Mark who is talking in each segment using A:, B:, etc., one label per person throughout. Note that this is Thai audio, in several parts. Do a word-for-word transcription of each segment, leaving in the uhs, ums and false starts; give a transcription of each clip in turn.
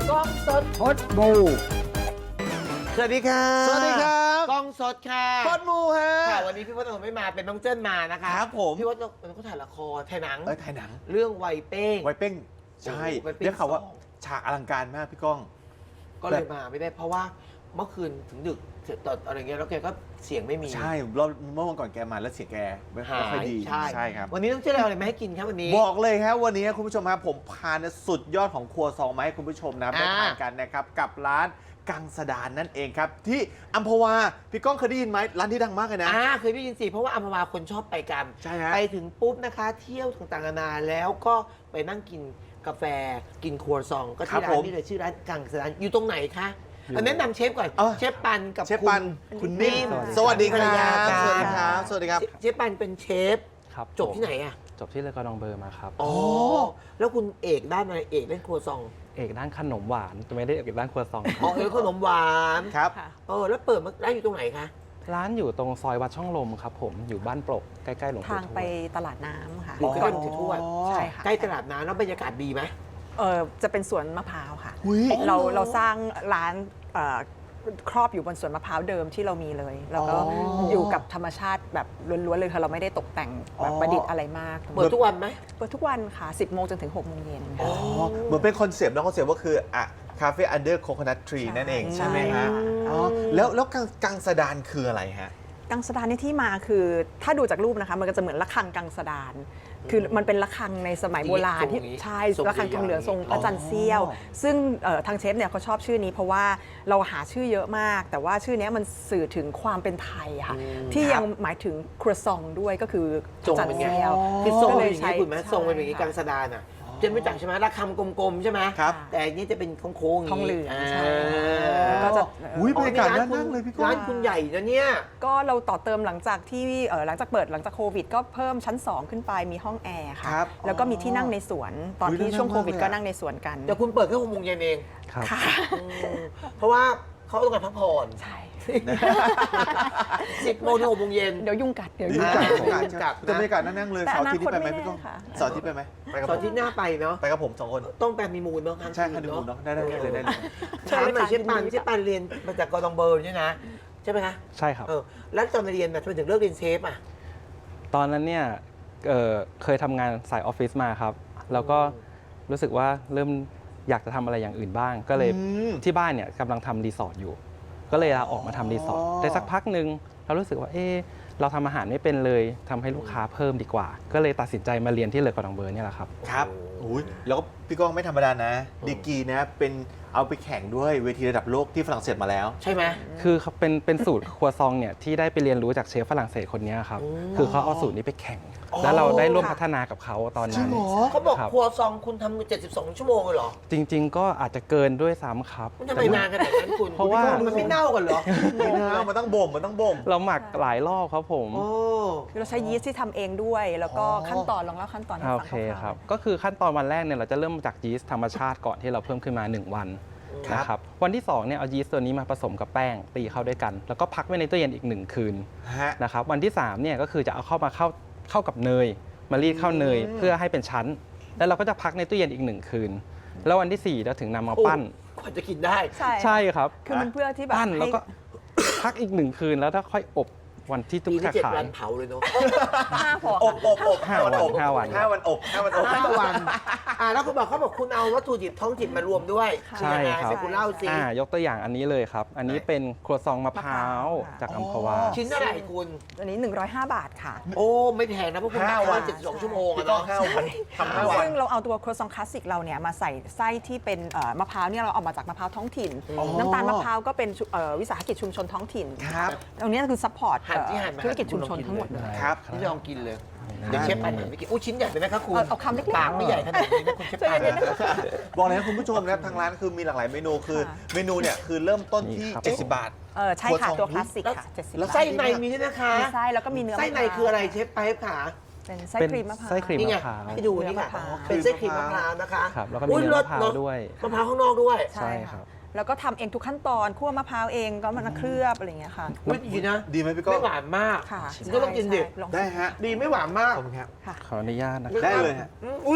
A: กล้องสด
B: พดบู
A: สวัสดีค่ะ
B: สวัสดีครับ
A: กล้องสดค่ะ
B: พดบูฮะ
A: ค่ะวันนี้พี่พจน์ไม่มาเป็นน้องเจิ้นมานะคะ
B: ครับผม
A: พี่พจน์มันก็ถ่ายละครถ่ายหนัง
B: เอ้ยถ่ายหนัง
A: เรื่องไวเป้ง
B: ไวเป้งใช่
A: ไวเป้ง
B: เรียกเขาว่า
A: สอง
B: ฉากอลังการมากพี่ก้อง
A: ก็เลยมาไม่ได้เพราะว่าเมื่อคืนถึงดึกเสร็จตอนอะไรเงี้ยแล้วแกก็เสียงไม่มี
B: ใช่รอบเมื่อวันก่อนแกมาแล้วเสียงแกไม่
A: หา
B: ค่อย
A: ย
B: ดี
A: ใช่
B: ใช่ครับ
A: วันนี้ต้องเชื่ออะไรมาให้กินครับวันนี้
B: บอกเลยครับวันนี้คุณผู้ชมครับผมพาเนี่ยสุดยอดของครัวซองมาให้คุณผู้ชมนะครับได้
A: อ่า
B: ทานกันนะครับกับร้านกังสดานนั่นเองครับที่อัมพวาพี่ก้องเคยได้ยินไหมร้านที่ดังมากเลยนะ
A: อ่าเคยได้ยินสิเพราะว่าอัมพวาคนชอบไปกัน
B: ใช่ฮะ
A: ไปถึงปุ๊บนะคะ เที่ยวต่างๆนานาแล้วก็ไปนั่งกินกาแฟกินครัวซอง ก็ที่ร้านนี้เลยชื่อร้านกังสดานอยู่ตรงไหนคะเอาแนะนำเชฟก่อน
B: เออ
A: เชฟปันกับ
B: เชฟปันคุณนิ่ม
A: ส
B: ส
A: วั
B: วั
A: ส
B: ส
A: ดี
B: ดี
A: ค
B: ค
A: รั
B: รับ บ สวัสดีครับ สวัสดีครับ
A: เชฟปันเป็นเชฟ
C: ครับ
A: จบที่ไหนอ่ะ
C: จบที่เลอกอดองเบอร์มาครับ
A: อ๋อแล้วคุณเอกด้านอะไรเอกเล่นครัวซอง
C: เอกด้านขนมหวานแต่ไม่ได้เอกด้านครัวซองค
A: อ๋อ
C: รับ
A: เอกขนมหวาน
B: ครับ
A: เออแล้วเปิดมาร้านอยู่ตรงไหนคะ
C: ร้านอยู่ตรงซอยวัดช่องลมครับผมอยู่บ้านปลกใกล้ๆหลวงปู่
D: ทาง
C: ทว
D: ไป
C: ด
D: ตลาดน้ำค่ะ
A: อยู่ใกล้ๆหลวงปู่ทวด
D: ใช่ค่ะ
A: ใกล้ตลาดน้ำแล้วบรรยากาศดีไหม
D: เออจะเป็นสวนมะพร้าวค่ะ
B: อุ๊ย
D: เราเราสร้างร้านเอ่อครอบอยู่บนสวนมะพร้าวเดิมที่เรามีเลย แล้วก็
B: อ๋อ
D: อ
B: อ
D: ยู่กับธรรมชาติแบบล้วนๆเลยค่ะเราไม่ได้ตกแต่งแบบประดิษฐ์อะไรมาก
A: เปิดทุกวันไหม
D: เปิดทุกวันค่ะ สิบโมงจนถึงหกโมงเย็น
B: อ๋
D: ค่ะ
B: อเหมือนเป็นคอนเซปต์นะคอนเซปต์ก็คืออ่ะคาเฟ่อันเดอร์โคโคนัททรี
D: ใช่
B: นั่นเอง
D: ใช่
B: ใช่ไหมฮะอ๋อแล้วแล้วกังกังสดานคืออะไรฮะ
D: กังสดานในที่มาคือถ้าดูจากรูปนะคะมันก็จะเหมือนระฆังกังสดาน คือมันเป็นระฆังในสมัยโบราณที่
A: ทรงนี้
D: ใช่
A: ทรง
D: ระฆังทองเหลืองทรงพระจันทร์เสี้ยว
B: อ๋อ
D: ซึ่งเอ่อทางเชฟเนี่ยเขาชอบชื่อนี้เพราะว่าเราหาชื่อเยอะมาก แต่ว่าชื่อเนี้ยมันสื่อถึงความเป็นไทยค่ะ ที่ยังหมายถึงครัวซองด้วยก็คือพ
A: ทร
D: ระ
A: ง
D: จันท
A: เป็น
D: ร์
A: ไง
D: เสี้ยว
A: คือทรง
D: ก็
A: เป็น
D: เลย
A: อย่าง
D: ใช้
A: นี้คุณไหมทรงเป็นอย่างนี้
D: ใช่
A: กังสดานอ่ะเจะไม่จักใช่ไหมระคำกลมๆใช่ไหม
B: ครับ
A: แต่อันนี้จะเป็นโค้งๆอย่าง
D: ทองเหลื
A: นี้
D: องใช่
A: อ่า
D: ก็จะ
B: อุ้ยบรรยากาศ
A: อ๋อ
B: น่านั่งเลยพี่ก้อง
A: ร้านคุณใหญ่นะเนี่ย
D: ก็เราต่อเติมหลังจากที่เอ่อหลังจากเปิดหลังจากโควิด ก็เพิ่มชั้น สอง ขึ้นไปมีห้องแอร์ค่ะ
B: ครับ
D: แล้วก็มีที่นั่งในสวน ตอน
B: อุ๊ย
D: ที่ช่วง
B: น่านั่ง
D: โควิด
B: มากเลย
D: ก็
B: อะ
D: นั่งในสวนกัน
A: แต่คุณเปิดแค่หกโมงเย็นเอง
C: ครับ
D: ค่ะ
A: อืมเพราะว่าเขาต้องการพักผ่อน
D: ใช่
A: สิบโมงถึงหกโมงเย็น
D: เดี๋ยวยุ่งกัดเดี๋ยว
B: ดี
D: ยุ่ง
B: จั
D: กั
B: ด
D: ด
B: ดีจัด
A: ดีจัดนะ
B: แต่บรรยากาศน่านั่งเลย
D: แต่
B: เสาร์อาทิตย์นี้ไปไหม
D: อนาคตไม่
B: พี่ก้อง
D: แน่ค่ะ
B: เสาร์อาทิตย์ไปไหมไปกับ
A: ต
B: ผ
A: อน
B: ม
A: ที่หน้าไปเนาะ
B: ไปกับผมสองคน
A: ต้องแปลมีมูลเนาะ
B: ใช่ฮันนีมูนเนาะได้ได้ได้เลยได้เลย
A: ถามหน่อย
D: เชิ
A: เช
D: ญ
A: ฟ
D: เลยค่ะ
A: ปัน
D: ยินดี
A: เชฟปันเรียนมาจากกอร์ดองเบอร์เนี่ยนะใช่ไหมคะ
C: ใช่ครับ
A: เออแล้วตอนเรียนน่ะทำไมถึงเลิกเรียนเชฟอ่ะ
C: ตอนนั้นเนี่ยเอ่อเคยทำงานสายออฟฟิศมาครับ แล้วก็รู้สึกว่าเริ่มอยากจะทำอะไรอย่างอื่นบ้าง ก็เลย
B: อืม
C: ที่บ้านเนี่ยกำลังทำรีสอร์ทอยู่ ก็เลยลาออกมาทำรีสอร์ท
B: อ๋อ
C: ได้สักพักหนึ่งเรารู้สึกว่าเออเราทำอาหารไม่เป็นเลยทำให้ลูกค้าเพิ่มดีกว่า ก็เลยตัดสินใจมาเรียนที่เลอกอดองเบอร์เนี่ยแหละครับ
B: ครับอุ้ยแล้วก็พี่ก้องไม่ธรรมดานะดีกรีนะเป็นเอาไปแข่งด้วยเวทีระดับโลกที่ฝรั่งเศสมาแล้ว
A: ใช่ไหม
C: คือเขาเป็นเป็นสูตรครัวซองเนี่ยที่ได้ไปเรียนรู้จากเชฟฝรั่งเศสคนเนี้ยครับ
A: อืม
C: คือเขาเอาสูตรนี้ไปแข่ง
A: อ๋อ
C: แล้วเราได้ร่วม
D: ค่ะ
C: พัฒนากับเขาตอน
B: จริ
C: นั้
B: ง
C: น
B: เหรอ
A: เขาบอก
C: ครับ
A: ครัวซองคุณทำเจ็ดสิบสองชั่วโมงเลยเหรอ
C: จริง ๆ ก็อาจจะเกินด้วยซ้ำครับ
A: มันทำไมนานขนาดนั้นคุณ
C: เพราะว่า
A: มันไม่เน่ากันเหรอ
B: ไม่นะมันต้องบ่มมันต้องบ่ม
C: เราหมักหลายรอบครับผม
A: โอ้
D: คือเราใช้ยีสต์ที่ทำเองด้วย แล้วก็
B: อ๋อ
D: ขั้นตอนลองเล่าขั้นตอนให้
C: โอ
D: ฟัง
C: เค
D: คร่าวๆ
C: ครับ ก็คือขั้นตอนวันแรกเนี่ยเราจะเริ่มจากยีสต์ธรรมชาติก่อนที่เราเพิ่มขึ้นมาหนึ่งวันนะครับวันที่สองเนี่ยเอายีสต์ตัวนี้มาผสมกับแป้งตีเข้าด้วยกัน แล้วก็พักไว้ในตู้เย็นอีกหนึ่งคืน
B: ฮะ
C: นะครับวันที่สามเนี่ยก็คือจะเอาเข้ามาเข้าเข้ากับเนยมารีดเข้าเนย
B: อืม
C: เพื่อให้เป็นชั้น แล้วเราก็จะพักในตู้เย็นอีกหนึ่งคืน แล้ววันที่สี่เราถึงนำมาปั้น
A: กว่าจะกินได้
D: ใช่
C: ใช่ครับ
D: คือมันเพื่อที่แบบ
C: ปั้นแล้ว
D: ให้
C: ก็ พักอีกหนึ่งคืนแล้วถ้าค่อยอบวันที่ทุก
A: ปีนี้
C: สา
A: เจ็ด
C: ขา
A: วันเผาเลยเนาะ
D: ห้าพอ
B: อบอบอบ
C: ห้าวัน
B: อบ
C: ห้าวัน
B: ห้าวันอบห้าวันอบ
A: ห้าวันอ่าแล้วคุณบอกเขาบอกคุณเอาวัตถุดิบท้องถิ่นมารวมด้วย
C: ใช่ครับ
A: เดี๋ยวคุณเล่าสิ
C: อ่ายกตัวอย่างอันนี้เลยครับ อันนี้เป็นครัวซองมะพร้าวจากอัมพวา
A: ชิ้นเท่าไหร่คุณ
D: อันนี้หนึ่งร้อยห้าบาทค่ะ
A: โอ้ไม่แพงนะเพราะคุณ
B: ห้า
A: ทำ
B: วั
A: วัน นเจ็ดสิบสองชั่วโมง
B: พี่
A: อะ
B: ก้อง
A: เนาะ
B: ห้าวันทำห้าวัน
D: ซึ่งเราเอาตัวครัวซองคลาสสิกเราเนี่ยมาใส่ไส้ที่เป็นเอ่อมะพร้าวเนี่ยเราเอามาจากมะพร้าวท้องถิ่น
B: อ๋อ
D: น้ำตาลมะพร้าวก็เป็นชุเอ่อวิสาหกิจชุมชนท้องถิ่น
B: ครับ
D: ตรงนี้คือซัพพอร์ต
A: หั่นที่หั่นมา
D: ธุรกิจชุมชนทั้งหมดเลย
B: ครับ
A: นี่ลองกินเลยเดี๋ยวเชฟปันหั่นไปกินอู้ชิ้นใหญ่ไปไหมครับคุณ
D: เอาเอาคำเล็กๆ
A: ปากไม่ใหญ่ขนาดนี้นะคุณเชฟปัน
B: บอกเลยนะคุณผู้ชมนะครับทางร้านคือมีหลากหลายเมนูคือ
D: ค่ะ
B: เมนูเนี่ยคือเริ่มต้นที่
C: นี่ครับ
B: เจ็ดสิบบาท
D: เออใช่ค่ะ
B: ครัวซอง
D: ตัวคลาสสิกค่ะเจ็ดสิบ
A: แล้ว
D: บาท
A: ไส้ในมีด้วยนะคะ
D: มีไส้แล้วก็มีเนื้อ
A: ไส้ใน
D: มะพร้าว
A: คืออะไรเชฟไปค่ะ
D: เป็นไส้
C: เป็น
D: ครีมมะพร้าว
C: ไส้ครีม
A: นี่ไง
C: มะพร้าว
A: ให้ดูนี่ค่ะ
D: มะพร้าว
A: เป็นไส้ครีมมะพร้าวนะคะ
C: ครับแล้วก็มี
A: อุ๊ย
C: เนื้อ
A: รส
C: มะพร้าว
A: เนอะ
C: ด้วย
A: มะพร้าวข้างนอกด้วย
C: ใช่ครับ
D: แล้วก็ทำเองทุกขั้นตอนคั่วมะพร้าวเองก็มันเคลือบอะไรอย่างเงี้ยค่ะ
A: อุ๊ยดีนะ
B: ดีไหมพี่ก้อง
A: ไม่หวานมาก
D: ค่ะ
A: คุณก็ต้องกินดิ
D: ใช่ลอง
B: ได้ฮะ
A: ดีไม่หวานมาก
B: ขอบคุณครับ
D: ค่ะ
C: ขออนุญาตนะค
B: ได้
C: รับ
B: เลยฮะ
A: อืมอุ้ย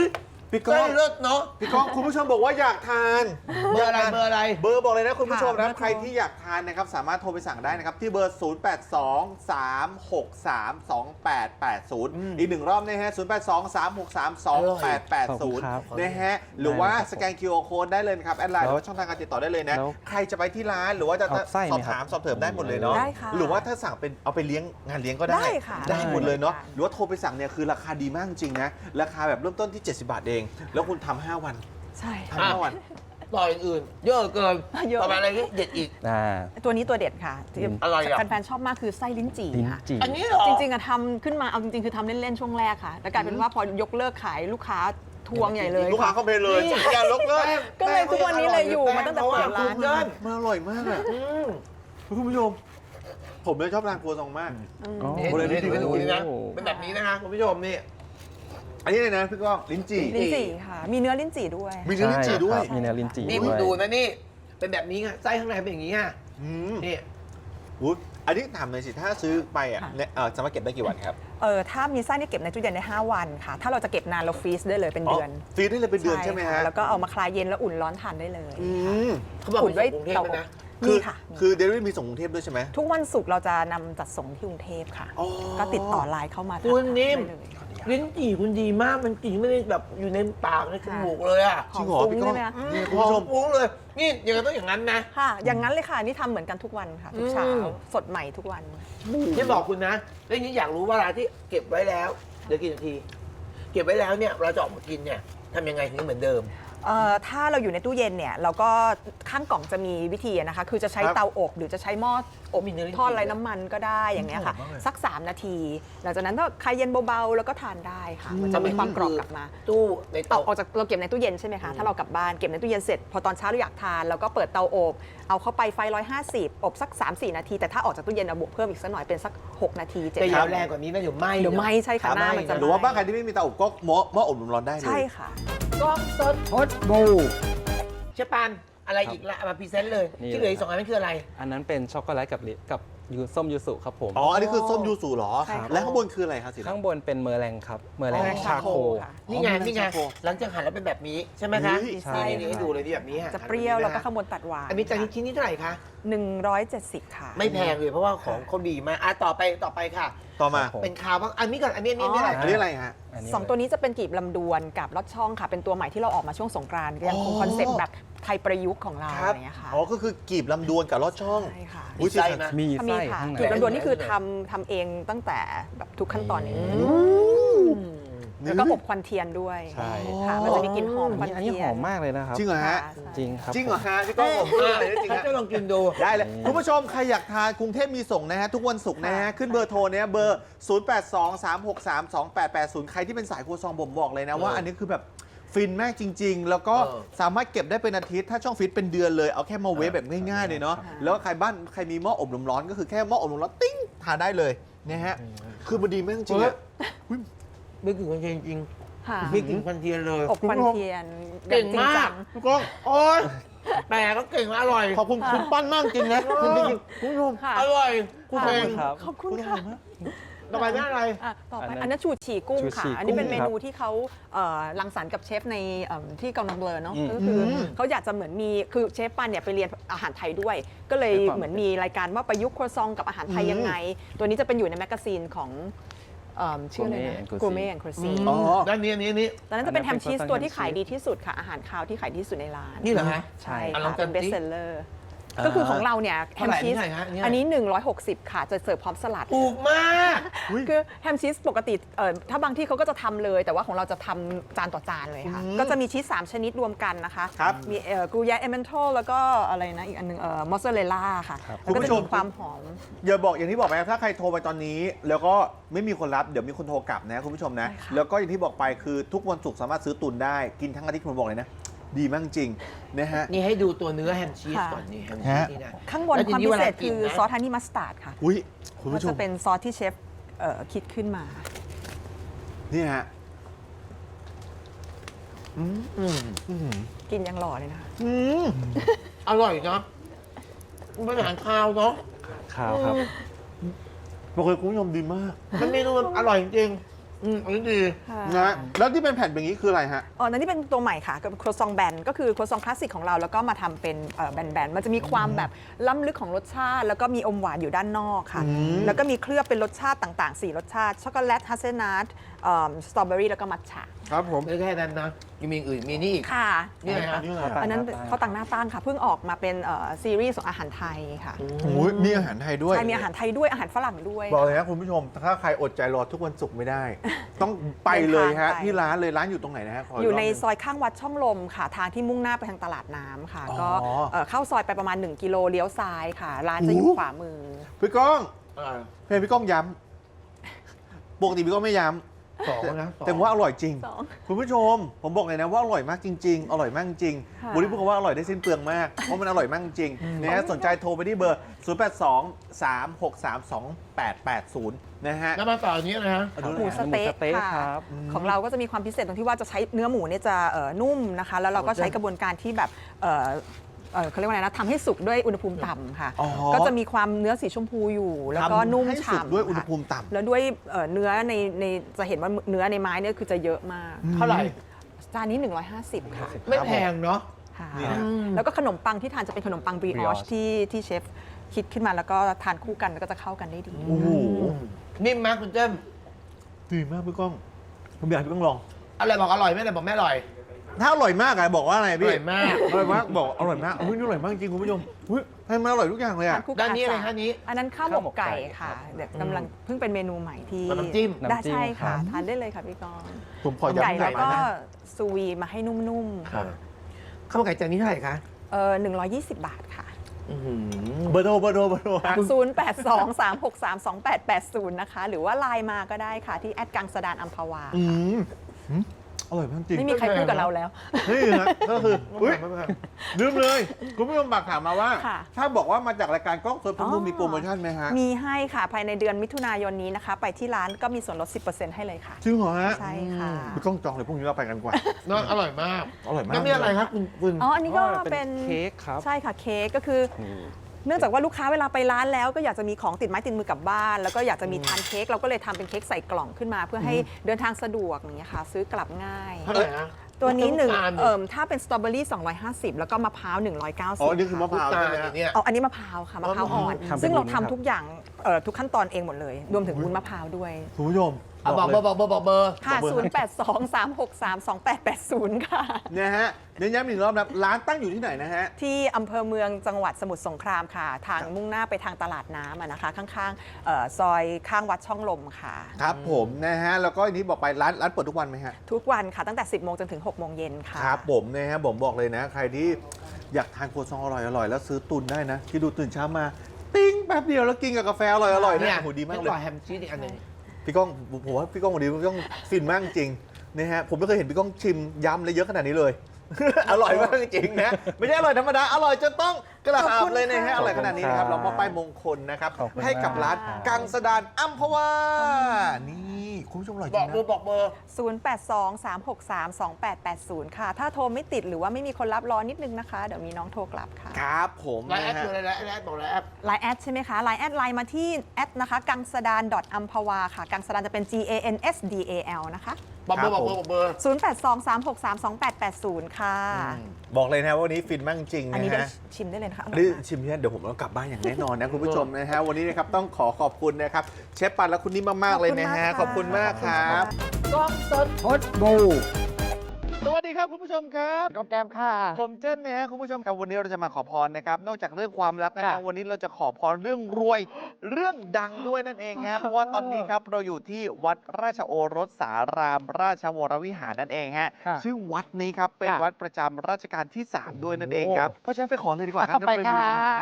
B: พี่ก้
A: ไส้
B: อง
A: เลิศเนาะ
B: พี่ก้องคุณผู้ชมบอกว่าอยากทาน
A: เบอร์อะไรเบอร์อะไร
B: เบอร์บอกเลยนะคุณผู้ชม
D: ค่ะ
B: นะ
D: เบอร์โทร
B: ใครที่อยากทานนะครับสามารถโทรไปสั่งได้นะครับ ที่เบอร์ ศูนย์ แปด สอง สาม หก สาม สอง แปด แปด ศูนย์
A: อืม
B: อีกหนึ่งรอบนะฮะ ศูนย์ แปด สอง สาม หก สาม สอง แปด แปด ศูนย์
C: ครับ
B: นะฮะหรือว่า
C: ได้ครับ
B: สแกน คิว อาร์ Code ได้เลยนะครับแอดไลน์ห
C: แล้
B: รือ
C: ว
B: ว่าช่องทางการติดต่อได้เลยนะ
C: แล้ว
B: ใครจะไปที่ร้านหรือว่าจะ
C: เอาไส้
B: สอบ
C: ไหมครับ
B: ถามสอบเถิมได้หมดเลยเนาะ
D: ได้ค่ะ
B: หรือว่าถ้าสั่งเป็นเอาไปเลี้ยงงานเลี้ยงก็ได้
D: ได้ค่ะ
B: ได้หมดเลยเนาะ
D: ได้
B: หรือว่าโทรไปสั่งเนี่ยคือราคาดีมากจริงนะราคาแบบเริ่มต้นที่เจ็ดสิบบาทเอง แล้วคุณทำห้าวัน
D: ใช่
B: ทำห้าวัน
A: ต่ออย่างอื่น เยอะเกิน
D: เยอะ
A: ต่อไปอะไรที่เด็ดอีก
C: อ่า
D: ตัวนี้ตัวเด็ดค่ะที่
A: อะไรอ่ะ
D: แฟนๆชอบมากคือไส้ลิ้นจี่
C: ลิ้น
D: ค่ะ
C: จี่
A: อันนี้เหรอ
D: จริงๆอะทำขึ้นมาเอาจริงๆคือทำเล่นๆช่วงแรกค่ะแล้วกลายเป็นว่าพอยกเลิกขายลูกค้าทวงใหญ่เลย
B: ลูกค้า
D: ค่ะ
B: เข้าไปเลย
A: นี่
B: อย่าลกเลิก
D: ก็เลยทุกวันนี้เลยอยู่มาตั้งแต่เปิดร้าน
A: เกิน
B: มันอร่อยมากอะ
A: อืม
B: คุณผู้ชม ผมเลยชอบร้านครัวซองมาก
D: อืม
C: อ๋อ
A: นี่
B: โอ้เลย
A: ดูนี่
B: นี่
A: ดูนี่นะ
C: โอ้
A: เป็นแบบนี้นะคะคุณผู้ชมนี่
B: อันนี้เลยนะพี่ก้องลิ้นจี่
D: ลิ้นจี่ค่ะ มีเนื้อลิ้นจี่ด้วย
B: มีเนื้อลิ้นจี่ด้วย
C: ใช่ครับมีเนื้อลิ้นจี่
A: นี่
C: ด้
A: คุณ
C: วย
A: ดูนะนี่ เป็นแบบนี้ไงไส้ข้างในเป็นอย่างนี้อ่ะ
B: อืม
A: นี่
B: อุ๊ยอันนี้ถามหน่อยสิ ถ้าซื้อไปอ่ะ
D: ค่ะ
B: เนี่ยเอ่อสามารถเก็บได้กี่วันครับ
D: เออถ้ามีไส้เนี่ยเก็บในตู้เย็นได้ห้าวันค่ะ ถ้าเราจะเก็บนานเราฟรีซได้เลยเป็นเดือน
B: ฟรีได้เลยเป็นเดือนใช่ไหม
D: ค่
B: ฮะ
D: แล้วก็เอามาคลายเย็นแล้วอุ่นร้อนทานได้เลย
B: อืม
A: เขาบอก
D: อุ่นไว้
A: มีส่งกรุงเทพ
D: เตา
A: ด้วยนะ
B: คื
D: มี
B: อ
D: ค่ะ
B: คือเดลิเวอรี่มีส่งกรุงเทพด้วยใช่ไหม
D: ทุกวันศุกร์เราจะนำจัดส่งที่กรุงเทพค่ะ
B: อ๋อ
D: ก็ติดต่อไลน์เข้ามา
A: คุณนิ่ม
D: ได้เลย
A: ลิ้นจี่คุณดีมาก มันกลิ่นไม่ได้แบบอยู่ในปากในจมูกเลยอ่ะ
B: จริงเหรอ
D: หอม
B: พี่
D: ฟุ้ง
B: ก้อง
D: ใช่ไหมคะ
B: นี่
A: ห
B: คุณ
A: อ
B: ผู้ช
A: ม
B: ม
A: ฟุ้งเลย นี่ยังไงต้องอย่างนั้นนะ
D: ค่ะ อย่างนั้นเลยค่ะ นี่ทำเหมือนกันทุกวันค่ะ ทุกเช้า
A: อืม
D: สดใหม่ทุกวัน
A: ที่บอกคุณนะแล้วทีนี้อยากรู้ว่าเวลาที่เก็บไว้แล้วเดี๋ยวกี่นาที เก็บไว้แล้วเนี่ยเราจะออกมากินเนี่ยทำยังไงถึงเหมือนเดิม
D: เอ่อถ้าเราอยู่ในตู้เย็นเนี่ยเราก็ข้างกล่องจะมีวิธีนะคะ คือจะใช้
B: ครับ
D: เตาอบหรือจะใช้หม้ออบ
A: มีเนื้อลิ้นจี่
D: ทอดไร้น้ำมันก็ได้อย่างเงี้ยค่ะ
B: หอมมากเลย
D: สัก สาม นาที หลังจากนั้นก็คลายเย็นเบาๆแล้วก็ทานได้ค่ะ มันจะมีความกรอบกลับมา
A: ตู้ใน
D: เอา
A: เตา
D: ออกจากเราเก็บในตู้เย็นใช่ไหมคะ ถ้าเรากลับบ้านเก็บในตู้เย็นเสร็จ พอตอนเช้าเราอยากทานเราก็เปิดเตาอบเอาเข้าไปไฟหนึ่งร้อยห้าสิบอบสัก สามสี่ นาที แต่ถ้าออกจากตู้เย็นเอาบวกเพิ่มอีกสักหน่อยเป็นสัก หก นาทีเจ็ด
A: แต่อย่า
D: นา
A: แรง
D: ที
A: กว่านี้นะเดี๋ยวไหม้
D: เดี๋ยวไหม้ใช่ค่ะหน้ามันจะ
B: หรือว่าบ้านใครที่ไม่มีเตาอบก็หม้อหม้ออบลมร้อนได้เลย
D: ใช่ค่ะ
A: กล้องสด
C: ฮอตบู
A: เชฟปานอะไรอีกละเอามาพรีเซนต์เลย
C: นี่
A: ที่เหลืออีกสองอันนั้นคืออะไร
C: อันนั้นเป็นช็อกโกแลตกับลิกับยูส้มยูสุครับผม
B: อ๋อ อันนี้คือส้มยูสุเหรอ
D: ใช่ค่ะ
B: แล้วข้างบนคืออะไรครับสี
C: ข้าง
B: ดำ
C: บนเป็นเมอร์แรงครับ เมอร์แรง
A: อ๋อ
C: ชาโค
D: ค่ะ
A: นี่ไง
B: อ๋อ
A: นี่ไง
B: ชาโค
A: หลังจากหั่นแล้วเป็นแบบนี้ใช่ไหมคะ
B: อุ๊ย
C: ใช่
A: นี่นี่ให้ดูเลยที่แบบนี้ฮ
D: จะเปรี้ยว
A: หั่น
D: แล้วก็
A: บบ
D: ข้างบนตัดหวาน
A: อันนี้จานนี้ชิ้นนี้เท่าไหร่คะ
D: หนึ่งร้อยเจ็ดสิบค่ะ
A: ไม่แพงเลยเพราะว่าของเขาดีมากอ่ะต่อไปต่อไปค่ะ
B: ต่อมา
C: ครับผม
A: เป็นคาวบ้างอันนี้ก่อนอันนี้อันนี้อันนี้อะไร
B: อันนี้อะไรฮะ
C: นนี้
D: สองตัวนี้จะเป็นกีบลำดวนกับลอดช่องค่ะ เป็นตัวใหม่ที่เราออกมาช่วงสงกรานต์ยังคง
A: อ๋อ
D: คอนเซ็ปต์แบบไทยประยุกต์ของเรา
B: ครั
D: อะ
B: บ
D: ไรอย่างเงี้ยค่ะ
B: อ๋อ ก็คือกีบลำดวนกับลอดช่อง
D: ใช่ค่ะ
B: อุ๊ย
A: มีไส้ไหม
C: มี
D: ถ้ามี
C: ไส้
D: ค่ะ
C: ข้างใน
D: กีบลำดวนนี่คือทำทำเองตั้งแต่แบบทุกขั้นตอนเอง แล้วก็อบควันเทียนด้วย
C: ใช่
D: ค่ะ มันจะมีกลิ่นหอมค
C: อั
D: วัน น
C: นี้อันนี้
D: เทีย
C: หอน มมากเลยนะครับ
B: จริงเหรอฮะ
D: ค่ะใช่
C: จริงครับ
B: จริงเหรอ
C: ผม
B: ฮะพี่ก้องผมมากเลยจริง
A: เขา
B: ฮะ
A: จะลองกินดู
B: ได้เลย
C: นี่
B: คุณผู้ชม ใครอยากทานกรุงเทพมีส่งนะฮะ ทุกวันศุกร์นะฮะ
D: ค่ะ
B: ขึ้นเบอร์โทรเนี่ยเบอร์ ศูนย์ แปด สอง สาม หก สาม สอง แปด แปด ศูนย์ ใครที่เป็นสายครัวซองผมบอกเลยนะว่า
A: เอออั
B: อันนี้คือแบบฟินมากจริง ๆ แล้วก็
A: เออ
B: สามารถเก็บได้เป็นอาทิตย์ ถ้าช่องฟิตเป็นเดือนเลย เอาแค่มาเวฟแบบง่ายๆเลยเนาะ
D: ค่ะ
B: แล้วใครบ้านใครมีหม้ออบลมร้อนก็คือแค่หม้ออบลมร้อนติ้งทานได้เลยนะฮะ คือมันดีมากจริงๆอะ
A: ไม่กลิ่นควันเทียนจริง
D: ค่ะ
A: ไม่กลิ่นควันเทียนเลย
D: อบควันเทียน
A: เก่ง
D: อย่จริ
A: มาก
D: จั
B: พี่ก้อง
A: โอ๊ยแต่ก็เก่งอร่อย
B: ขอบคุณคุณปั้นมากจริงนะจริงๆคุณผู้ชม
D: ค่ะ
A: อร่อยคุณ
D: ค่ะ
A: เอง
C: ครับ
D: ขอบคุณค่ะ
A: ต่อไปเป็นอะไร
D: อ่ะต่อไป
C: อันนั้น
D: อันนั้นชูชีกุ้ง
C: ชู
D: ค่ะ
C: ชี
D: อันนี้เป็น
C: กุ้
D: เม
C: งครับ
D: นูที่เขาเอ่อรังสรรค์กับเชฟในเอิ่มที่เกาหลีเบลอเนาะ
C: อืม
D: ก็คืออ
B: ม
D: เขาอยากจะเหมือนมีคือเชฟปันเนี่ยไปเรียนอาหารไทยด้วย ก็เลย
C: ด้วยความ
D: เหมือนมีรายการว่าประยุกต์ครัวซองกับอาหารไทยยังไง ตัวนี้จะเป็นอยู่ในแมกกาซีนของเอิ่มชื่ออะไรนะ
C: Gourmet and Cuisine
D: กูเม่แอนด์ครูซี
B: อ๋อ
A: ด้านนี้อันนี้อันนี้
D: ตอนนั้นจะเป็น
C: อั
D: แฮ
C: นนั้
D: ม
C: นเป็น
D: ชีส
C: croissant
D: ตัวที่
C: ham
D: ขาย
C: cheese
D: ดีที่สุดค่ะ อาหารคาวที่ขายดีที่สุดในร้าน
A: นี่เหรอฮะ
D: ใช่
A: อ่ะลอง
D: ค่ะ
A: กั
D: เป็น นเบส
A: สิ
D: เซลเลอร์
A: อ่า
D: ก็คือของเราเนี่ยแฮ
A: เท่าม ไหร่
D: ชีส
A: เท่าไหร่ฮะอันนี้
D: อันนี้ หนึ่งร้อยหกสิบ ค่ะ จะเสิร์ฟพร้อมสลัด
A: ถูกมาก
D: คือแฮมชีสปกติเอ่อถ้าบางที่เขาก็จะทำเลย แต่ว่าของเราจะทำจานต่อจานเลยค่ะ
B: อืม
D: ก็จะมีชีสสามชนิดรวมกันนะคะ
B: ครับ
D: มีเอ่อกรูยาเอเมนทอลแล้วก็อะไรนะ อีกอันหนึงเอ่อมอสซาเรลล่าค่ะ
C: ครับ
D: แล้วก็
B: คุณผู้
D: จะ
B: ชม
D: มีความหอม
B: อย่าบอกอย่างที่บอกไปครับถ้าใครโทรไปตอนนี้ แล้วก็ไม่มีคนรับเดี๋ยวมีคนโทรกลับนะคุณผู้ชมนะ
D: ใช่ค่ะ
B: แล้วก็อย่างที่บอกไปคือทุกวันศุกร์สามารถซื้อตุนได้กินทั้งอาทิตย์ผมบอกเลยนะ ดีมากจริงนะฮะ
A: นี่ให้ดูตัวเนื้อแฮมชีส
D: ค่ะ
A: ก่อนนี่แฮมชีสนี่นะ
D: ข้างบน
A: แล้วที
D: ความ
A: นี้
D: พิ
A: เว
D: เศ
A: ลา
D: ษ
A: กิน
D: คือ
A: นะ
D: ซอสฮันนี่มัสตาร์ดค่ะ
B: อุ้ยคุณ
D: ก็
B: ผู้ช
D: จะ
B: ม
D: เป็นซอสที่เชฟเอ่อคิดขึ้นมา
B: นี่ฮะอืม
A: อืม
B: อืม
D: กินยังหล่อเลยนะคะ
B: อืม
A: อร่อยเนาะมันเป็นอาหารคาวเนาะ
C: ข้าวครับ
B: บอกเลยคุณผู้ชมดีมาก
A: มันเมนูมันอร่อยจริง
B: ค
A: อืมอันนี้ดี
D: ค่ะ
B: นะแล้วที่เป็นแผ่นแบบนี้คืออะไรฮะ
D: อ๋อนั่นนี่เป็นตัวใหม่ค่ะกับครัวซองแบนก็คือครัวซองคลาสสิกของเราแล้วก็มาทำเป็นเอ่อแบนๆมันจะมีความแบบล้ำลึกของรสชาติ แล้วก็มีอมหวานอยู่ด้านนอกค่ะ
B: อืม
D: แล้วก็มีเคลือบเป็นรสชาติต่างๆ สี่รสชาติช็อกโกแลตฮัสเซลนัทสตรอเบอรี่แล้วก็มัทฉะ
B: ครับผม
A: ไม่แค่นั้นนะยังมีอื่นมีนี่อีก
D: ค่ะ
A: นี่ไงฮะ
B: นี่อะไร
D: อันนั้น
C: หน้าตั้ง
D: เขาวตังหน้าตั้งค่ะเพิ่งออกมาเป็นเอ่อซีรีส์ของอาหารไทยค่ะ
B: โอ้ยมีอาหารไทยด้วย
D: ใช่มีอาหารไทยด้วยอาหารฝรั่งด้วย
B: บอกเลยนะคุณผู้ชม ถ้าใครอดใจรอทุกวันศุกร์ไม่ได้ ต้องไปเลยฮะ
D: เดินทางไป
B: ที่ร้านเลยร้านอยู่ตรงไหนนะฮะข
D: อยู่ใน
B: กรบหง
D: ซอยข้างวัดช่องลมค่ะ ทางที่มุ่งหน้าไปทางตลาดน้ำค่ะ
B: อ๋อ
D: ก็เอ่อเข้าซอยไปประมาณ หนึ่ง กิโลเลี้ยวซ้ายค่ะ ร้านจะอยู่
B: โอ้
D: ขวามือ
B: พี่ก้อง
A: อ่า
B: เพลงพี่ก้องย้ำปกติพี่ก้องไม่ย้ำ
A: สองนะสอง
B: แต่ว่าอร่อยจริง
D: สอง
B: คุณผู้ชม ผมบอกเลยนะว่าอร่อยมากจริง ๆ อร่อยมากจริง
D: ค่ะ
B: วันนี้พูดคำว่าอร่อยได้สิ้นเปลืองมาก เพราะมันอร่อยมากจริงนะฮะสนใจโทรไปที่เบอร์ ศูนย์ แปด สอง สาม หก สาม สอง แปด แปด ศูนย์ นะฮะ
A: แล้วมาต่ออันนี้นะฮะ
B: เอาดู
D: หมู
B: นะ
D: ส
B: ฮะ
D: เต๊ะ
C: หมูสเต๊ะ
D: ค่ะ
C: ครับ
D: ของเราก็จะมีความพิเศษตรงที่ว่าจะใช้เนื้อหมูเนี่ยจะเอ่อนุ่มนะคะ แล้วเราก็ใช้กระบวนการที่แบบเอ่อเอ่อเขาเรียกว่าอะไรนะทำให้สุกด้วยอุณหภูมิต่ำค่ะ
B: อ๋อ
D: ก็จะมีความเนื้อสีชมพูอยู่ แล้วก็
B: ทำ
D: นุ่ม
B: ให้สุก
D: ฉ่ำ
B: ด้วยอุณห
D: ค่ะ
B: ภูมิต่ำ
D: แล้วด้วยเอ่อเนื้อในในจะเห็นว่าเนื้อในไม้เนี่ยคือจะเยอะมาก
A: เท่าไหร่
D: จานนี้ หนึ่งร้อยห้าสิบ ค่ะ
A: ไม่แพงเนาะ
D: ค่ะ
B: นี่ฮะ
D: แล้วก็ขนมปังที่ทานจะเป็นขนมปังบริออช
C: brioche
D: ที่ที่เชฟคิดขึ้นมาแล้วก็ทานคู่กันแล้วก็จะเข้ากันได้ดี
B: โอ้โห
A: นิ่มมากคุณเจ้ม
B: ดีมากพี่ก้องผมอยากให้พี่ก้องลอง
A: อะไรบอกอร่อยไม่ได้บอกไม่อร่อย
B: ถ้าอร่อยมากอะบอกว่าอะไร
A: อ
B: พี่
A: ร่อยมาก
B: อร่อยมากบอกอร่อยมากอุ้ยนี่อร่อยมากจริงคุณผู้ชมอุ้ยให้มันอร่อยทุกอย่างเลยอะ
D: ทานคู่กั
A: ด้านนี้อะไร
D: จ
A: คะนี้
D: อันนั้นข้าวหม
C: ข้าวหม
D: ก
C: ก
D: ไก่
C: ไก่
D: ค่ะ
C: ครับ
D: เดี๋ยวกำลังเพิ่งเป็นเมนูใหม่ที่
A: น้ำจิ้ม
D: ได้
C: น้ำจิ้ม
D: ใช่ค่ะ
C: ครับ
D: ทานได้เลยค่ะพี่กรณ์
B: ผมขอ
D: ไก่
B: ย้ำ
D: แล้วก็
B: นะ
D: ซูวีมาให้นุ่มๆ
A: ค่ะข้าวมันไก่จานนี้เท่าไหร่คะ
D: เออหนึ่งร้อยยี่สิบบาทค่ะ
A: อื้อหือ
B: เบอร์โทรเบอร์โทรเบอร์โทรฮะ
D: ศูนย์ แปด สอง สาม หก สาม สอง แปด แปด ศูนย์ นะคะ หรือว่าไลน์มาก็ได้ค่ะ ที่แอดกังสดานอัมพวา
B: อืมอืมอร่อยมากจริง
D: ไม่มีใครพูดกับเราแล้ว
B: นี่ฮะก็คืออุ้ย
A: ไม่แพง
B: ลืมเลยคุณผู้ชมฝากถามมาว่า
D: ค่ะ
B: ถ้าบอกว่ามาจากรายการกล้องสดพมูล
D: อ๋อ
B: มีโปรโมชั่นไหมฮะ
D: มีให้ค่ะ ภายในเดือนมิถุนายนนี้นะคะ ไปที่ร้านก็มีส่วนลด สิบเปอร์เซ็นต์ ให้เลยค่ะ
B: จริงเหรอฮะ
D: ใช่ค่ะ
B: พี่ก้องจองเลยพรุ่งนี้เราไปกันดีกว่า
A: เนาะอร่อยมาก
B: อร่อยมาก
A: แล้วนี่อะไรครับคุณคุณ
D: อ๋อ อันนี้ก็เป็น
C: เค้กครับ
D: ใช่ค่ะเค้กก็คือ
C: นี่
D: เนื่องจากว่าลูกค้าเวลาไปร้านแล้วก็อยากจะมีของติดไม้ติดมือกลับบ้าน แล้วก็อยากจะมีทานเค้กเราก็เลยทำเป็นเค้กใส่กล่องขึ้นมา เพื่อให้เดินทางสะดวกอย่างเงี้ยค่ะ ซื้อกลับง่าย
A: เท่าไหร่นะ
D: ตัวนี้หนึ่ง
A: ำตาล
D: เอ่มถ้าเป็นสตรอเบอรี่สองร้อยห้าสิบแล้วก็มะพร้าวหนึ่งร้อยเก้าสิบ
B: อ๋อนี่คือมะพร้าว
A: ตาล
B: ใช่ไหม
A: อ
B: ฮะ
A: ย่างเนี้ย
D: เอาอันนี้มะพร้าวค่ะมะพร้าวอ่อน
C: ทำเป็น
D: ซึ่งเรา
C: วุ้น
D: ทำ
C: ครับ
D: ทุกอย่างเอ่อทุกขั้นตอนเองหมดเลย รวมถึงวุ้นมะพร้าวด้วย
B: คุณผู้ชม
A: อ่ะบอกเบอร์บอกเบอร์บอกเบอร์
D: ค่ะ
B: บอกเบอร์
D: ศูนย์ แปด สอง สาม หก สาม สอง แปด แปด ศูนย์ ค่ะ
B: นะฮะเน้นย้ำอีกรอบนะร้านตั้งอยู่ที่ไหนนะฮะ
D: ที่อำเภอเมืองจังหวัดสมุทรสงครามค่ะ ทางมุ่งหน้าไปทางตลาดน้ำอะนะคะ ข้างๆเอ่อซอยข้างวัดช่องลมค่ะ
B: ครับผมนะฮะแล้วก็อันนี้บอกไปร้านร้านเปิดทุกวันไหมฮะ
D: ทุกวันค่ะตั้งแต่ สิบโมงจนถึง หกโมงเย็นค่ะ
B: ครับผมนะฮะผมบอกเลยนะ ใครที่อยากทานครัวซองอร่อยอร่อยแล้วซื้อตุนได้นะที่ดูตื่นเช้ามา ติ้งแป๊บเดียวแล้วกินกับกาแฟอร่อยอร่อย
A: เนี่
B: เนี่ย ยโหดีมากเลย
A: ต่อแฮมชีสอีกอันหนึ่ง
B: พี่ก้องผมว่าพี่ก้องวันนี้พี่ก้องฟินมากจริงนะฮะผมไม่เคยเห็นพี่ก้องชิมยำเลยเยอะขนาดนี้เลย อร่อยมากจริงนะไม่ใช่อร่อยธรรมดาอร่อยจนต้องกระ
D: ขอบ
B: ดา
D: คุ
B: ษ
D: ณ
B: เลยนะฮะ
D: ค่ะ
B: อร่อยขนาดนี้นะครับ
C: ข
B: เรา
C: อบคุณ
B: มอบป้ายมงคลนะครับ
C: ขอบคุณ
B: ให้กับร้าน
C: มาก
B: กังสดานอัมพวานี่คุณผู้ชมอร่อยจ
A: บ
B: ริ
A: อก
B: ง
A: เบอ
B: นะ
A: ร์บอกเบอร์
D: ศูนย์ แปด สอง สาม หก สาม สอง แปด แปด ศูนย์ ค่ะ ถ้าโทรไม่ติดหรือว่าไม่มีคนรับรอนิดนึงนะคะ เดี๋ยวมีน้องโทรกลับค่ะ
B: ครับผม
A: ไลน์แอด
B: นะฮะ
A: คืออะไรไลน์แอดบอกไลน์แอด
D: ไลน์แอดใช่ไหมคะไลน์แอดไลน์มาที่แอดนะคะกังสดาน อัมพวาค่ะ กังสดานจะเป็น G A N S D A L นะคะ
A: บอกเบอร์
B: ครับ
A: บอกเบอร์บอกเบอร์
D: ศูนย์ แปด สอง สาม หก สาม สอง แปด แปด ศูนย์ ค่ะ
B: บอกเลยนะว่าวันนี้ฟินมากจริง
D: อัน
B: นะ
D: นี้ได้
B: ฮะ
D: ชิมได้เลยนะคะอร่
B: นี่
D: อยมาก
B: ชิมเนี่ยเดี๋ยวผมต้องกลับบ้านอย่างแน่นอนนะคุณผู้ชมนะฮะวันนี้นะครับต้องขอขอบคุณนะครับเชฟปันและคุณนิ่มมากๆเลยนะฮะข
D: ข
B: อ
D: อ
B: บบ
D: คุ
B: คุณ
D: ณ
B: มาม
D: าก ก
B: ค
D: ค่ะ
B: รับ
A: กล้องสด
C: พดบู
B: สวัสดีครับคุณผู้ชมครับ
C: ก็แก้มค่ะ
B: ผมเจนนะฮะคุณผู้ชมครับวันนี้เราจะมาขอพรนะครับนอกจากเรื่องความรักนะฮะ
C: ค่ะ
B: วันนี้เราจะขอพรเรื่องรวยเรื่องดังด้วยนั่นเองครับเพราะว่าตอนนี้ครับเราอยู่ที่วัดราชโอรสสารามราชวรวิหารนั่นเองฮะ
C: ค่ะ
B: ซึ่งวัดนี้ครับเป็น
C: ค่ะ
B: วัดประจำรัชกาลที่สามด้วยนั่นเองครับเพราะฉะนั้นไปขอเลยดีกว่าครับ
C: ไปค่ะ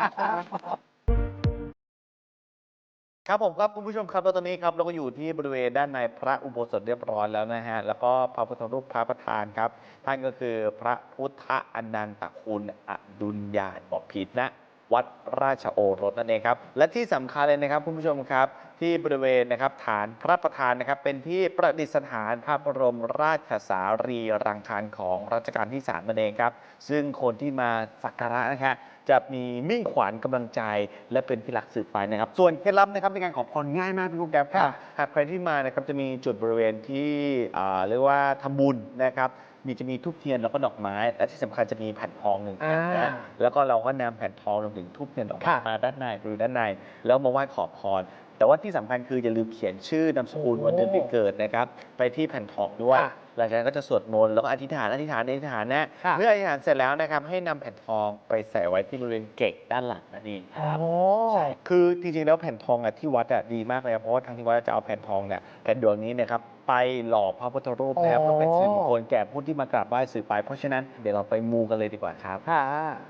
B: ครับผมครับคุณผู้ชมครับแล้วตอนนี้ครับเราก็อยู่ที่บริเวณด้านในพระอุโบสถเรียบร้อยแล้วนะฮะแล้วก็พระพุทธรูปพระประธานครับ ท่านก็คือพระพุทธอนันตคุณอดุลยานบอกผิดนะวัดราชโอรสนั่นเองครับและที่สำคัญเลยนะครับคุณผู้ชมครับที่บริเวณนะครับฐานพระประธานนะครับเป็นที่ประดิษฐานพระบรมราชสารีรังคารของรัชกาลที่สามนั่นเองครับซึ่งคนที่มาสักการะนะครับจะมีมิ่งขวัญกำลังใจและเป็นที่รักสืบไปนะครับส่วนเคล็ดลับนะครับในการขอพรง่ายมากพี่กุ๊กแก๊ปครับหากใครที่มานะครับจะมีจุดบริเวณที่อ่าเรียกว่าทำบุญนะครับมีจะมีทูบเทียนแล้วก็ดอกไม้และที่สำคัญจะมีแผ่นทองหนึ่งแผ่นนะแล้วก็เราก็นำแผ่นทองรวมถึงทูบเทียนดอกไม้มาด้านในหรือด้านในแล้วมาไหว้ขอพรแต่ว่าที่สำคัญคืออย่าลืมเขียนชื่อนามสกุลวันเดือนปีเกิดนะครับไปที่แผ่นทองด้วยหลังจากนั้นก็จะสวดมนต์แล้วก็อธิษฐานอธิษฐานอธิษฐานนะเมื่ออธิษฐานเสร็จแล้วนะครับให้นำแผ่นทองไปใส่ไว้ที่บริเวณเกศด้านหลังนั่นเองครับใช่คือจริงๆแล้วแผ่นทองอ่ะที่วัดอ่ะดีมากเลยเพราะว่าทางที่วัดจะเอาแผ่นทองเนี่ยแผ่นดวงนี้นะครับไปหล่อพระพุทธรูปแล้วก็เป็นสิริมงคลแก่ผู้ที่มากราบไหว้สืบไปเพราะฉะนั้นเดี๋ยวเราไปมูกันเลยดีกว่าครับค่ะ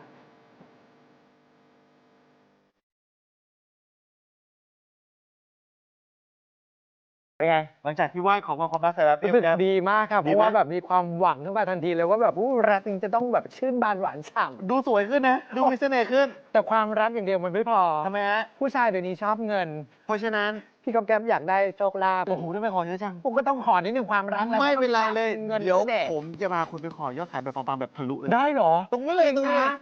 B: เป็นไงหลังจากที่ไหว้ขอพรความรักเสร็จแล้ว
E: รู้สึกดีมากครับเพราะว่าแบบมีความหวังขึ้นมาทันทีเลยว่าแบบอู้รักจริงจะต้องแบบชื่นบานหวานฉ่ำ
B: ดูสวยขึ้นนะดูมีเสน่ห์ขึ้น
E: แต่ความรักอย่างเดียวมันไม่พอ
B: ทำไมฮะ
E: ผู้ชายเดี๋ยวนี้ชอบเงิน
B: เพราะฉะนั้น
E: พี่ก๊อฟแก๊ปอยากได้โชคลาภ
B: โอ้โหทำไมขอเยอะจัง
E: ผมก็ต้องขอนิดนึงความรักแล้ว
B: ไม่เป็นไรเลย
E: เงิน
B: เดี๋ยว
E: แน่
B: ผมจะมาคุณไปขอยอดขายแบบปังๆแบบทะลุเลย
E: ได้เหรอ
B: ตรงนี้เลยตรงนี้เลย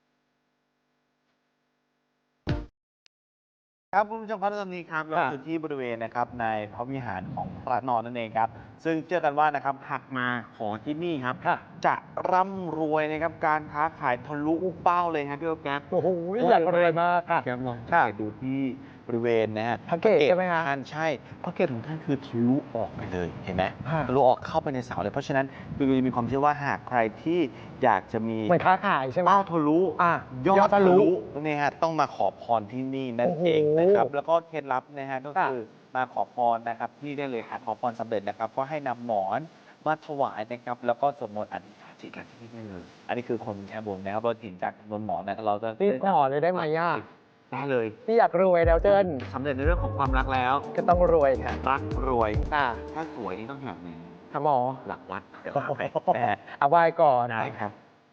B: ครับคุณผู้ชมครับตอนนี้ครับเราอยู่ที่บริเวณนะครับในพระวิหารของพระนอนนั่นเองครับซึ่งเชื่อกันว่านะครับหากมาขอที่นี่ครับจะร่ำรวยนะครับการค้าขายทะลุเป้าเลยครับพี่โอ๊คแก๊ป
E: โอ้โหอยากรวยมากค่ะ
B: แก๊ปลองสังเกตดูที่บริเวณนะฮะ
E: พระเกศใช่ไหมคะ
B: ท่านใช่พระเกศของท่านคือทะลุออกไปเลยเห็นไหม
E: ค่ะ
B: ทะลุออกเข้าไปในเสาเลยเพราะฉะนั้นคือมีความเชื่อว่าหากใครที่อยากจะมี
E: เหมือนค้าขายใช่ไหม
B: เป้าทะลุ
E: อ่ะ
B: ยอด
E: ยอดทะ
B: ทะ
E: ลุ
B: ลุนี่ฮะต้องมาขอพรที่นี่นั่น
E: โอ้โห
B: เองนะครับแล้วก็เคล็ดลับนะฮะก็
E: ค่ะ
B: คือมาขอพรนะครับที่ได้เลยค่ะขอพรสำเร็จนะครับก็ให้นำหมอนมาถวายนะครับแล้วก็สวดมนต์อธิษฐานจิตกันที่นี่ได้เลยอันนี้คือคนแค่บนนะครับเราเห็นจากบนหมอนนะเราจะ
E: นี่ขอเลยได้ไหมย่า
B: ได้เลย
E: พี่อยากรวยแล้วเจิ้น
B: สำเร็จในเรื่องของความรักแล้ว
E: ก็ต้องรวยค่ะ
B: รักรวย
E: อ่ะ
B: ถ้าสวยนี่ต้องแบบไหน
E: ค่ะหมอ
B: หลักวัดเดี๋ยวพาไปนะฮะ
E: เอาไหว้ก่อน
B: ได้ครับ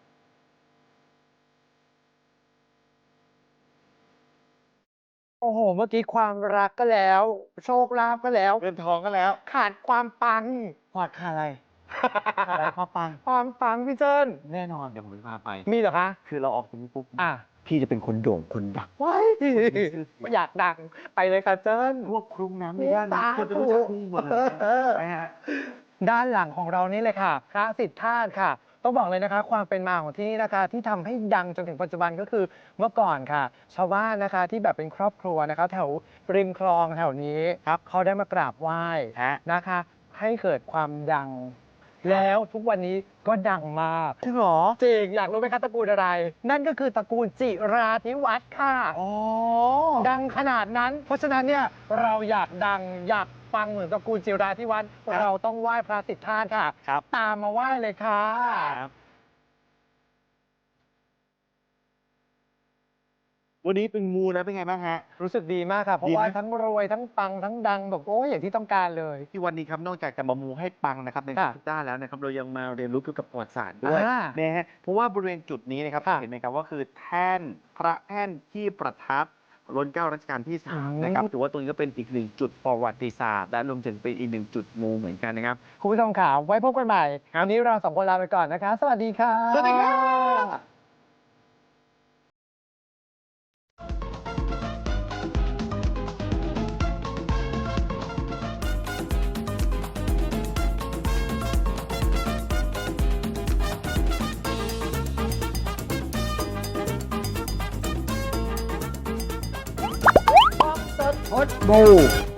E: โอ้โห เมื่อกี้ความรักก็แล้ว โชคลาภก็แล้ว
B: เงินทองก็แล้ว
E: ขาดความปัง
B: ขอดค่าอะไรค่าอะไรข้อปัง
E: ความปังพี่เจิ้น
B: แน่นอนเดี๋ยวผมจะพาไป
E: มีเหรอคะ
B: คือเราออกจากนี้ปุ๊บ
E: อ่ะ
B: พี่จะเป็นคนโด่งคนดัง
E: ว้ายอยากดังไปเลยค่ะเจิ้น
B: พวกครุ้งน้ำในย่านนี้คนจะรู้จักพี่หมดเลยไปฮะ
E: ด้านหลังของเรานี่เลยค่ะ พระสิทธาตุค่ะ ต้องบอกเลยนะคะ ความเป็นมาของที่นี่นะคะ ที่ทำให้ดังจนถึงปัจจุบันก็คือเมื่อก่อนค่ะ ชาวบ้านนะคะที่แบบเป็นครอบครัวนะคะ แถวริมคลองแถวนี้ครับเขาได้มากราบไหว้
B: ฮะ
E: นะคะ ให้เกิดความดัง แล้วทุกวันนี้ก็ดังมาก
B: จริงเหรอ
E: จริงอยากรู้ไหมคะตระกูลอะไร นั่นก็คือตระกูลจิราธิวัฒน์ค่ะ
B: อ๋อ
E: ดังขนาดนั้น เพราะฉะนั้นเนี่ยเราอยากดังอยากฟังเหมือนตระกูลจิราธิวัฒน์เราต้องไหว้พระสิทธาตุค่ะ
B: ครับ
E: ตามมาไหว้เลยค่ะ
B: ครับวันนี้เป็นมูนะเป็นไงบ้างฮะ
E: รู้สึกดีมากค่ะ เพราะ
B: ดีไหม
E: ว่าทั้งรวยทั้งปังทั้งดังแบบโอ้ยอย่างที่ต้องการเลย
B: ที่วันนี้ครับนอกจากจะมามูให้ปังนะครับใน
E: ค่ะ
B: ทุกด้านแล้วนะครับเรายังมาเรียนรู้เกี่ยวกับประวัติศาสตร์ด้วย
E: อ่า
B: นะฮะเพราะว่าบริเวณจุดนี้นะครับ
E: ค่ะ
B: เห็นไหมครับว่าคือแท่นพระแท่นที่ประทับรัชกาลรัชกาลที่สามนะครับถือว่าตรงนี้ก็เป็นอีกหนึ่งจุดประวัติศาสตร์และรวมถึงเป็นอีกหนึ่งจุดมูเหมือนกันนะครับ
E: คุณผู้ชมค่ะไว้พบกันใหม่วันนี้เราสองคนลาไปก่อนนะคะ สวัสดีค่ะ
B: สวัสดีครับ
E: พดบู